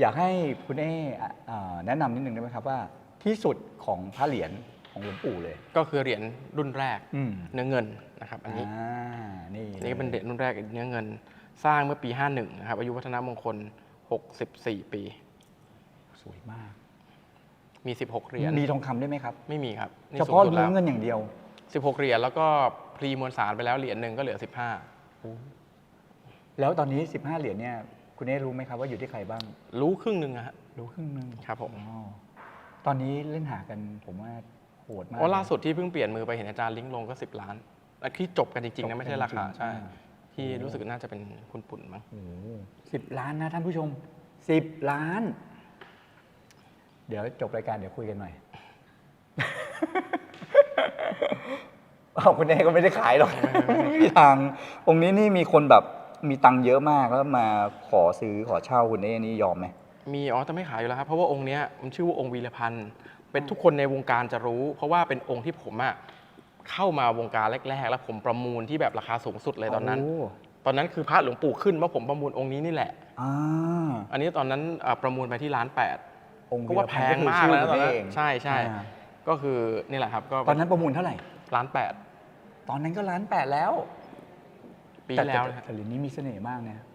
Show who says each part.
Speaker 1: อยากให้คุณเอแนะนำนิดนึงได้ไหมครับว่าที่สุดของพระเหรียญของหลวงปู่เลย
Speaker 2: ก็คือเหรียญรุ่นแรก
Speaker 1: เนื้
Speaker 2: เนื้อเงินนะครับอันนี้
Speaker 1: นี่
Speaker 2: นี่เป็นเหรียญรุ่นแรกเนื้อเงิน สร้างเมื่อปี 51 นะครับอายุวัฒนมงคล 64 ปี
Speaker 1: สวยมาก
Speaker 2: มี 16 เหรียญ
Speaker 1: มีทองคำได้ไหมครับ
Speaker 2: ไม่มีครับนี่
Speaker 1: เฉพาะ
Speaker 2: สูงสุด
Speaker 1: เนื้
Speaker 2: แล้
Speaker 1: อ
Speaker 2: ว
Speaker 1: เงินอย่างเดียว
Speaker 2: 16 เหรียญแล้วก็พรีมวลสารไปแล้วเหรียญหนึ่งก็เหลือ
Speaker 1: แล้วตอนนี้ 15 เหรียญเนี่ยคุณเอรู้ไหมครับว่าอยู่ที่ใครบ้าง
Speaker 2: 15 รู้ครึ่งหนึ่งอะฮะ
Speaker 1: รู้ครึ่งหนึง
Speaker 2: ครับผม
Speaker 1: อ๋อตอนนี้เล่นหากันผมว่าโหดมาก
Speaker 2: เพราะล่าสุดที่เพิ่งเปลี่ยนมือไปเห็นอาจารย์ลิงก์ลงก็ 10 ล้านและที่จบกันจริงๆนะไม่ใช่ราคาใช่ที่รู้สึกน่าจะเป็นคุณปุ่นมั้ง
Speaker 1: โอ้10 ล้านนะท่านผู้ชม 10 ล้าน เดี๋ยวจบรายการเดี๋ยวคุยกันหน่อย คุณเอก็ไม่ได้ขายหรอก ไม่มีทางองค์นี้นี่มีคนแบบมีตังค์เยอะมากแล้วมาขอซื้อขอเช่าคุณเอนี่ยอมไหม
Speaker 2: มีแต่ไม่ขายอยู่แล้วครับเพราะว่าองค์เนี้ยมันชื่อว่าองค์วีรพันธ์เป็นทุกคนในวงการจะรู้ เพราะว่าเป็นองค์ที่ผมอะเข้ามาวงการแรกๆ แล้วผมประมูลที่แบบราคาสูงสุดเลยตอนนั้น ตอนนั้นคือพระหลวงปู่ขึ้นว่าผมประมูลองค์นี้นี่แหละ อันนี้ตอนนั้นประมูลไปที่1,800,000
Speaker 1: องค์
Speaker 2: ก็ว่าแพงมากแล้วตอนนั้นใช่ใช่
Speaker 1: อ่า
Speaker 2: ก็คือนี่แหละครับก็
Speaker 1: ตอนนั้นประมูลเท่าไหร่
Speaker 2: 1,800,000
Speaker 1: ตอนนั้นก็1,800,000แล้ว
Speaker 2: ปีที่แล้วนะ
Speaker 1: แต่เหรียญนี้มีเสน่ห์มากนะ